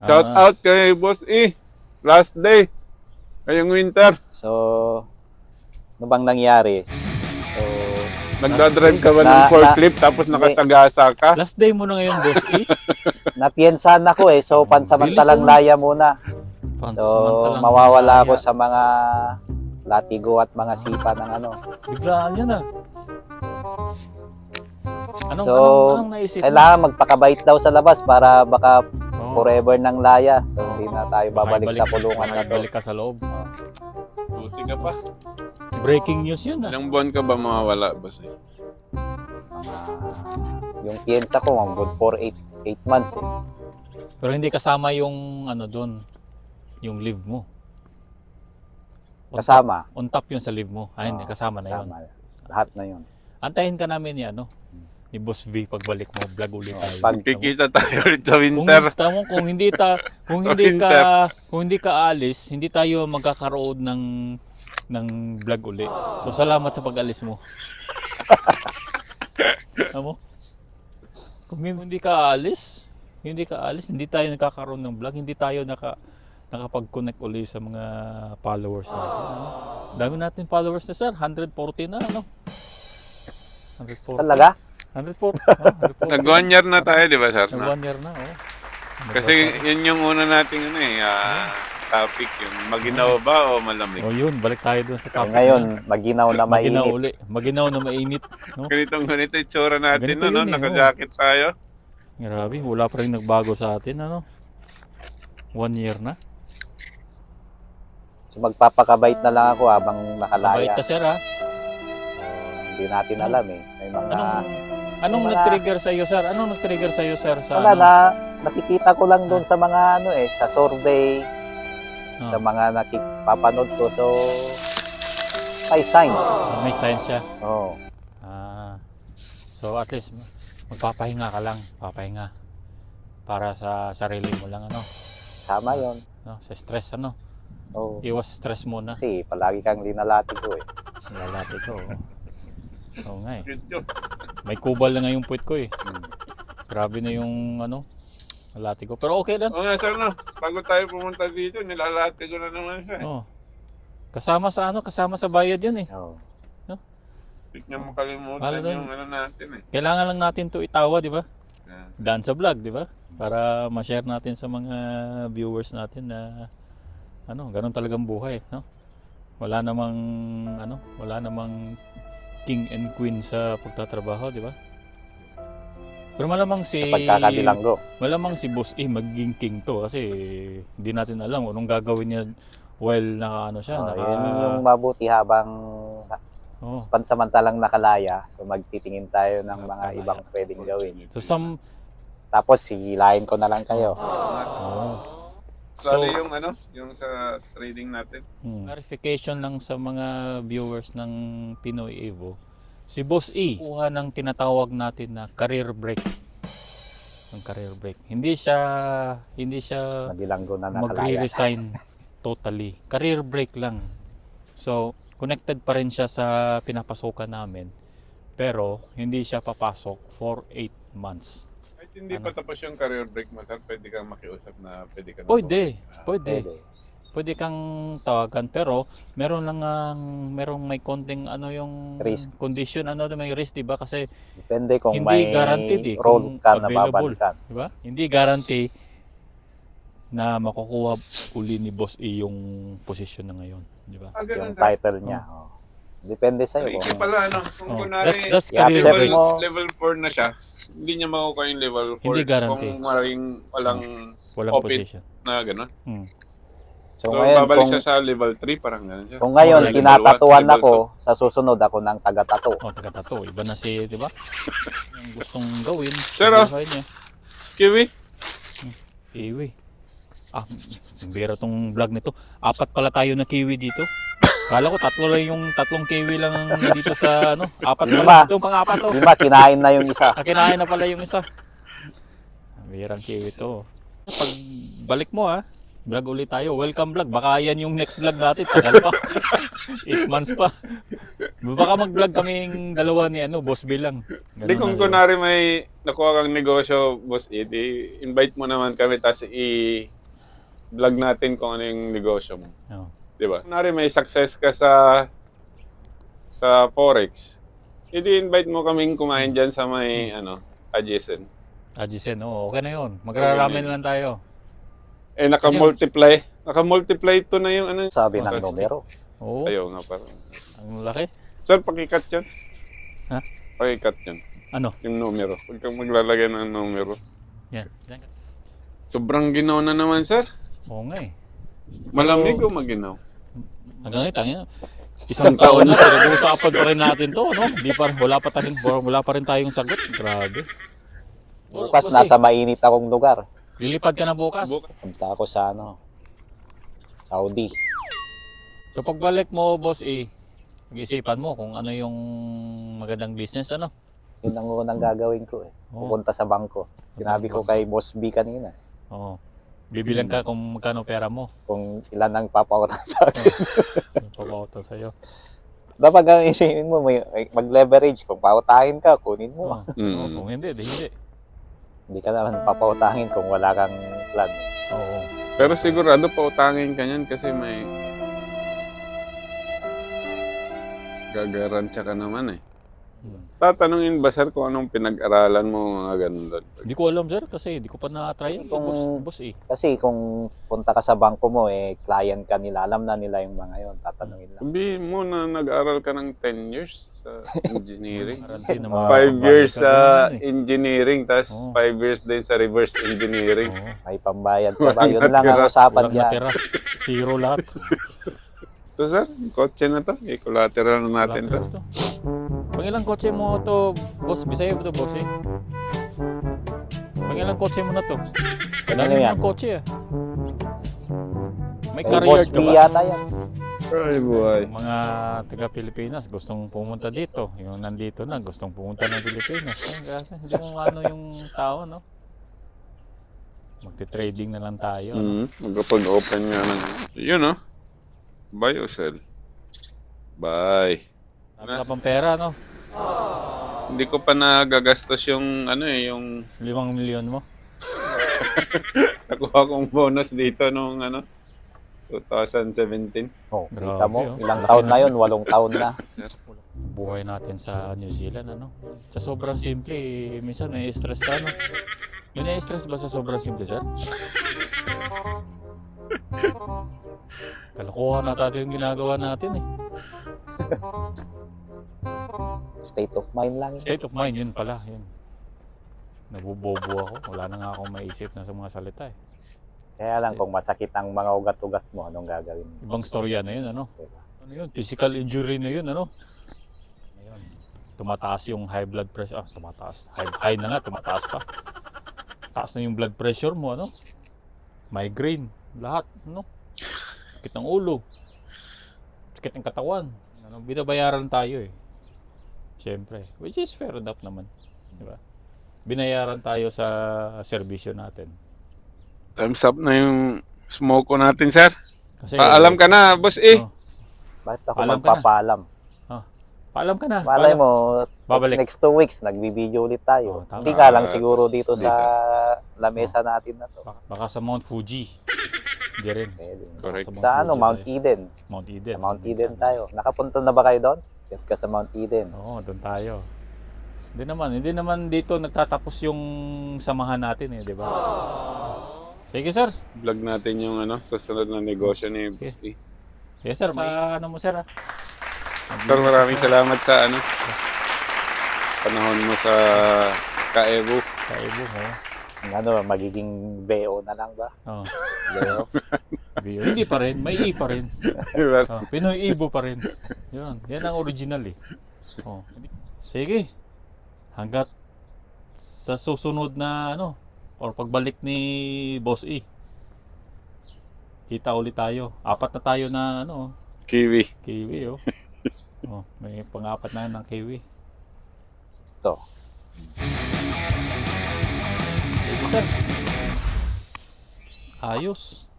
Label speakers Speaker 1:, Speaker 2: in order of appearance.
Speaker 1: Shout out kay Boss E. Last day. Ngayong winter.
Speaker 2: So, ano bang nangyari? So,
Speaker 1: Nagdadrive ka ba ng
Speaker 2: Na-
Speaker 1: forklift tapos nakasagasa ka?
Speaker 3: Last day mo na ngayon, Boss E.
Speaker 2: napiensahan ako eh. So, pansamantalang
Speaker 3: Bilis, ano?
Speaker 2: laya muna. So,
Speaker 3: Pansamantalang
Speaker 2: mawawala
Speaker 3: laya.
Speaker 2: ako sa mga latigo at mga sipa ng ano.
Speaker 3: Biglaan yun ah. Anong,
Speaker 2: So,
Speaker 3: anong naisip mo?
Speaker 2: Kailangan magpakabait daw sa labas para baka
Speaker 3: Oo.
Speaker 2: forever ng laya. So, hindi na tayo babalik sa kulungan na to.
Speaker 3: Balik ka sa loob.
Speaker 1: Buti ka pa.
Speaker 3: Breaking news yun ah.
Speaker 1: Ilang buwan ka ba mawawala, Boss E?
Speaker 2: Yung piensa ko, mambod for 8 months eh.
Speaker 3: Pero hindi kasama yung ano doon, yung leave mo.
Speaker 2: Kasama.
Speaker 3: On top yun sa leave mo. Ay, hindi, kasama na yun.
Speaker 2: Kasama. Lahat na yun.
Speaker 3: Antayin ka namin ni ano, ni Boss V pagbalik mo, vlog ulit tayo.
Speaker 2: Pag-
Speaker 1: Kikita tayo ulit sa
Speaker 3: Kung,
Speaker 1: winter.
Speaker 3: kung hindi ka alis, hindi tayo magkakaroon ng vlog uli. So salamat sa pag-alis mo. Amo? Kung hindi ka alis, hindi tayo nagkakaroon ng vlog, hindi tayo nakapag-connect uli sa mga followers natin. Ano? Dami natin followers na sir, 140 na ano. 140.
Speaker 2: Talaga?
Speaker 3: 140.
Speaker 1: Nag 1 year na tayo, di ba, sir?
Speaker 3: Nag 1 year na, oh.
Speaker 1: Kasi yun yung una nating topic, yung maginaw ba o malamig?
Speaker 3: Oh, yun, balik tayo dun sa
Speaker 2: Eh,
Speaker 3: topic.
Speaker 2: ngayon, maginaw na
Speaker 3: maginaw
Speaker 2: mainit.
Speaker 3: uli. Maginaw na mainit, no?
Speaker 1: Ganito itsura natin,
Speaker 3: Ganito
Speaker 1: no?
Speaker 3: yun eh,
Speaker 1: Naka-jacket tayo.
Speaker 3: Grabe, wala pa rin nagbago sa atin, ano? 1 year na.
Speaker 2: So, magpapakabait na lang ako habang
Speaker 3: Kabait
Speaker 2: nakalaya.
Speaker 3: ka, sir, ha?
Speaker 2: Hindi natin alam eh. May mga...
Speaker 3: Anong
Speaker 2: Wala.
Speaker 3: nag-trigger sa iyo, sir? Anong nag-trigger sa iyo, sir? Sa
Speaker 2: Wala
Speaker 3: ano?
Speaker 2: na, nakikita ko lang doon sa mga ano eh, sa survey,
Speaker 3: Ah,
Speaker 2: sa mga nakipapanood ko. So, may signs.
Speaker 3: may science siya.
Speaker 2: Oo.
Speaker 3: Ah, so at least magpapahinga ka lang, papahinga para sa sarili mo lang, ano?
Speaker 2: Sama yon.
Speaker 3: No, sa stress, ano?
Speaker 2: Oo.
Speaker 3: Iwas stress muna.
Speaker 2: Kasi palagi kang linalati ko eh.
Speaker 3: Lalati ko. Oo nga eh.
Speaker 1: Good job.
Speaker 3: May kubal na nga yung puwit ko eh. Grabe na yung ano, lalati ko. Pero okay lang.
Speaker 1: Oo nga, sir, no? Bago tayo pumunta dito, nilalate ko na naman siya.
Speaker 3: Oh. Kasama sa bayad yun eh.
Speaker 2: Oo.
Speaker 1: Hindi niya makalimutan
Speaker 3: Mahal
Speaker 1: yung ano natin eh.
Speaker 3: Kailangan lang natin to itawa, di ba?
Speaker 1: Yeah.
Speaker 3: Daan sa vlog, di ba? Para ma-share natin sa mga viewers natin na ano, ganun talagang buhay, no? Wala namang king and queen sa pagtatrabaho, di ba? Pero malamang
Speaker 2: Sa pagkakabilanggo.
Speaker 3: malamang si Boss E magiging king to kasi hindi natin alam kung anong gagawin niya while naka siya,
Speaker 2: Oh, yun yung mabuti habang
Speaker 3: Oh.
Speaker 2: pansamantalang nakalaya. So, magtitingin tayo ng mga
Speaker 3: Nakalaya.
Speaker 2: ibang pwedeng gawin.
Speaker 3: So
Speaker 2: Tapos, sigilayin ko na lang kayo.
Speaker 1: Bali yung ano, yung sa trading natin.
Speaker 3: Clarification lang sa mga viewers ng Pinoy Evo. Si Boss E, kuha ng tinatawag natin na career break. Ang career break. Hindi siya
Speaker 2: Mabilanggo na nakalaya.
Speaker 3: magre-resign totally. Career break lang. So, connected pa rin siya sa pinapasukan namin. Pero, hindi siya papasok for 8 months.
Speaker 1: Kahit hindi pa tapos yung career break mo, sir, pwede kang makiusap na pwede ka na
Speaker 3: Pwede.
Speaker 2: Pwede.
Speaker 3: Pwede kang tawagan pero merong may konting ano yung
Speaker 2: Risk.
Speaker 3: condition, ano may risk, di ba? Kasi
Speaker 2: Depende kung
Speaker 3: hindi
Speaker 2: may
Speaker 3: guaranteed eh,
Speaker 2: role
Speaker 3: kung
Speaker 2: ka na
Speaker 3: available.
Speaker 2: babalikan.
Speaker 3: Di ba? Hindi guarantee na makukuha uli ni Boss E yung position na ngayon, di ba?
Speaker 1: ganun,
Speaker 2: Yung
Speaker 1: sir.
Speaker 2: title niya. Oh. Depende sa'yo.
Speaker 1: Ikaw
Speaker 2: Kung
Speaker 1: pala, ano, kung
Speaker 3: Oh,
Speaker 1: kunwari,
Speaker 3: that's
Speaker 2: i-accept
Speaker 3: career break.
Speaker 2: mo.
Speaker 1: level 4 na siya, hindi niya makukuha yung level 4.
Speaker 3: Hindi guarantee.
Speaker 1: Kung walang
Speaker 3: Walang
Speaker 1: open
Speaker 3: position.
Speaker 1: na gano'n.
Speaker 3: Hmm.
Speaker 1: So,
Speaker 2: So, ngayon,
Speaker 1: babalik
Speaker 2: kung,
Speaker 1: siya sa level 3, parang gano'n siya.
Speaker 2: kung ngayon,
Speaker 1: Level
Speaker 2: tinatatuan
Speaker 1: 1,
Speaker 2: ako, sa susunod ako ng taga-tato.
Speaker 3: Oh, taga-tato. Iba na si, di ba? Yung gustong gawin.
Speaker 1: Sir,
Speaker 3: sa buhay niya.
Speaker 1: Kiwi?
Speaker 3: Kiwi. Ah, bira tong vlog nito. 4 pala tayo na kiwi dito. Kala ko tatlong kiwi lang ang dito sa ano. 4
Speaker 2: Lima.
Speaker 3: pala dito, pang-4 to.
Speaker 2: Di ba, kinain na yung isa.
Speaker 3: Kinain na pala yung isa. Birang kiwi to. Pag balik mo Vlog ulit tayo. Welcome vlog. Baka yan yung next vlog natin. Tagal pa. 8 months pa. Baka mag-vlog kaming dalawa ni Boss B lang.
Speaker 1: Hindi, kung kunwari may nakuha kang negosyo, Boss Ed, invite mo naman kami, tapos i-vlog natin kung ano yung negosyo mo.
Speaker 3: Oh.
Speaker 1: Di ba? Kunwari may success ka sa Forex, i-invite mo kaming kumain dyan sa may adjacent.
Speaker 3: Ajisen, okay na yun. Magrarami na lang tayo.
Speaker 1: Naka-multiply to na yung
Speaker 2: Sabi ng
Speaker 1: Fantastic.
Speaker 2: numero.
Speaker 3: Oo,
Speaker 1: Ayaw nga parang.
Speaker 3: ang laki.
Speaker 1: Sir, pakikat yan.
Speaker 3: Ha?
Speaker 1: Pakikat yan.
Speaker 3: Ano?
Speaker 1: Yung numero. Huwag kang maglalagay ng numero.
Speaker 3: Yan.
Speaker 1: Sobrang ginaw na naman, sir.
Speaker 3: Oo nga eh.
Speaker 1: Malamig o maginaw?
Speaker 3: Hanggang ngayon, isang taon na, pinag-uusapan pa rin natin to, no? Wala pa rin tayong sagot. Grabe.
Speaker 2: Bukas
Speaker 3: Kasi,
Speaker 2: nasa mainit akong lugar.
Speaker 3: lilipad ka na bukas.
Speaker 2: Punta ako sa Saudi.
Speaker 3: So pagbalik mo, Boss E, mag-isipan mo kung ano yung magandang business, ano?
Speaker 2: Yun ang unang gagawin ko eh.
Speaker 3: Oo.
Speaker 2: Pupunta sa bangko. Sinabi ko kay Boss B kanina
Speaker 3: Oo. Bibilang ka kung magkano pera mo.
Speaker 2: kung ilan ang papautang sa akin.
Speaker 3: Pag-auto sa'yo.
Speaker 2: Dapat ang isipin mo, mag-leverage. Kung pautangin ka, kunin mo.
Speaker 1: Mm.
Speaker 3: Kung hindi, hindi.
Speaker 2: Hindi ka naman papautangin kung wala kang plan.
Speaker 3: Oo.
Speaker 1: Pero sigurado pautangin ka niyan kasi may gagarantiya ka naman eh. Tatanungin ba, sir, kung anong pinag-aralan mo, mga ganun doon?
Speaker 3: Hindi ko alam, sir, kasi hindi ko pa na-try yan. Boss E.
Speaker 2: Kasi kung punta ka sa bangko mo, client ka nila, alam na nila yung mga yon, tatanungin lang.
Speaker 1: Sabihin mo na nag-aral ka ng 10 years sa engineering.
Speaker 3: Guarantee na
Speaker 1: 5 years
Speaker 3: ka
Speaker 1: sa
Speaker 3: doon, eh.
Speaker 1: engineering, tapos
Speaker 3: Oo.
Speaker 1: 5 years din sa reverse engineering.
Speaker 3: Oo.
Speaker 2: May pambayad ka ba?
Speaker 1: Walang
Speaker 2: Yun lang ang
Speaker 1: natira.
Speaker 2: usapan
Speaker 3: Walang
Speaker 2: dyan.
Speaker 3: natira. Zero lahat.
Speaker 1: Ito, sir, kotse na to. I-collateral na natin to.
Speaker 3: Lahat to. Pangilang kotse mo to, boss? Bisaya ba to, boss eh? Pangilang kotse mo na to?
Speaker 2: Kanino yan?
Speaker 3: Ang kotse ah. May
Speaker 2: Eh,
Speaker 3: career
Speaker 2: Boss
Speaker 3: ka
Speaker 2: B
Speaker 3: ba?
Speaker 2: yata yan.
Speaker 1: Ay, buhay.
Speaker 3: Mga taga-Pilipinas gustong pumunta dito. Yung nandito na gustong pumunta ng Pilipinas. Hindi mo ano yung tao, no? Magte-trading na lang tayo. No?
Speaker 1: Magkapag-open nga ng... Yun, no? Buy o sell? Buy.
Speaker 3: Wala ka pang pera, no?
Speaker 1: Hindi ko pa nagagastos yung yung
Speaker 3: 5 milyon mo.
Speaker 1: nakuha kong bonus dito nung 2017.
Speaker 2: Oh, kita
Speaker 3: Grabe,
Speaker 2: mo,
Speaker 3: oh.
Speaker 2: ilang taon na yun, 8 taon na.
Speaker 3: Buhay natin sa New Zealand, ano? Sa sobrang simple, minsan nai-stress ka, no? May nai-stress ba sa sobrang simple, sir? Kalokohan na tayo yung ginagawa natin, eh.
Speaker 2: State of mind lang yun.
Speaker 3: State of mind, yun pala, yun. Nabubobo ako. Wala na nga akong maisip na sa mga salita, eh.
Speaker 2: Kaya lang kung masakit ang mga ugat-ugat mo, anong gagawin mo?
Speaker 3: Ibang storya na yun, ano?
Speaker 2: Diba?
Speaker 3: Ano yun? Physical injury na yun, ano? Ayun. Tumataas yung high blood pressure. Tumataas. High na nga, tumataas pa. Taas na yung blood pressure mo, ano? Migraine. Lahat, ano? Sakit ng ulo. Sakit ng katawan. Ano? Binabayaran tayo, eh. Siyempre. Which is fair enough naman. Diba? Binayaran tayo sa serbisyo natin.
Speaker 1: Time's up na yung smoke ko natin, sir.
Speaker 3: Kasi,
Speaker 1: Paalam ka na, boss eh.
Speaker 3: Oh,
Speaker 2: Bakit ako
Speaker 3: Paalam ka na.
Speaker 2: magpapaalam?
Speaker 3: paalam ka na.
Speaker 2: Malay mo,
Speaker 3: Babalik.
Speaker 2: next 2 weeks, nagbibideo ulit tayo.
Speaker 3: Oh, tama.
Speaker 2: Hindi nga lang siguro dito
Speaker 1: Dito.
Speaker 2: sa lamesa natin na to.
Speaker 3: Baka sa Mount Fuji. Hindi rin.
Speaker 2: Pwede.
Speaker 1: Correct.
Speaker 2: Sa
Speaker 3: Fuji
Speaker 2: Mount
Speaker 3: tayo.
Speaker 2: Eden.
Speaker 3: Mount Eden.
Speaker 2: Sa Mount Eden tayo. Nakapunta na ba kayo doon? Get ka sa Mount Eden.
Speaker 3: Oo, doon tayo. Hindi naman dito nagtatapos yung samahan natin eh, di ba? Sige, sir.
Speaker 1: Vlog natin yung sa sunod na negosyo ni boss eh.
Speaker 3: Yes, sir. Sa ano mo, sir? Ah?
Speaker 1: Sir, maraming salamat sa panahon mo sa Kaebu.
Speaker 3: Kaibo mo.
Speaker 2: Magiging BO na lang ba?
Speaker 3: Oo.
Speaker 2: BO.
Speaker 3: Hindi pa rin. May I pa rin.
Speaker 1: Diba?
Speaker 3: Oh, Pinoy Ibo pa rin. Yun. Yan ang original eh. Oh. Sige. Hanggat sa susunod na or pagbalik ni Boss E. Kita ulit tayo. 4 na tayo na
Speaker 1: Kiwi.
Speaker 3: kiwi oh. Oh, may pang-4 na ng kiwi.
Speaker 2: Ito.
Speaker 3: Sige, sir. Ayos.